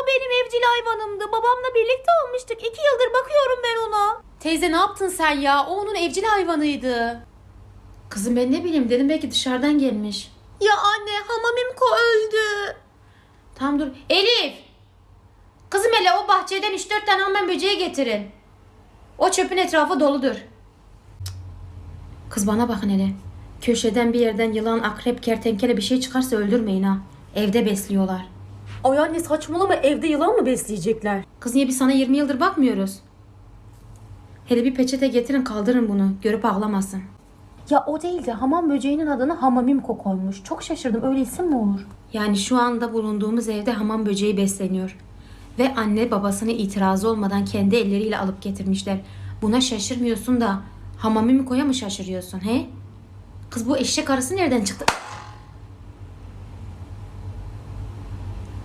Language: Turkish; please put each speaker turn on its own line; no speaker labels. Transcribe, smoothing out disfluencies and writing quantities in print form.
benim evcil hayvanımdı. Babamla birlikte almıştık. 2 yıldır bakıyorum ben ona.
Teyze ne yaptın sen ya? O onun evcil hayvanıydı. Kızım ben ne bileyim dedim belki dışarıdan gelmiş.
Ya anne, Hamamimko öldü.
Tamam dur. Elif! Kızım hele o bahçeden 3-4 tane hamam böceği getirin. O çöpün etrafı doludur. Cık. Kız bana bakın hele. Köşeden bir yerden yılan, akrep, kertenkele bir şey çıkarsa öldürmeyin ha. Evde besliyorlar.
Ay anne saçmalama, evde yılan mı besleyecekler?
Kız niye biz sana 20 yıldır bakmıyoruz? Hele bir peçete getirin kaldırın bunu. Görüp ağlamasın.
Ya o değil de hamam böceğinin adını Hamamimko koymuş. Çok şaşırdım, öyle isim mi olur?
Yani şu anda bulunduğumuz evde hamam böceği besleniyor. Ve anne babasının itirazı olmadan kendi elleriyle alıp getirmişler. Buna şaşırmıyorsun da Hamamimiko'ya mı şaşırıyorsun he? Kız bu eşek arısı nereden çıktı?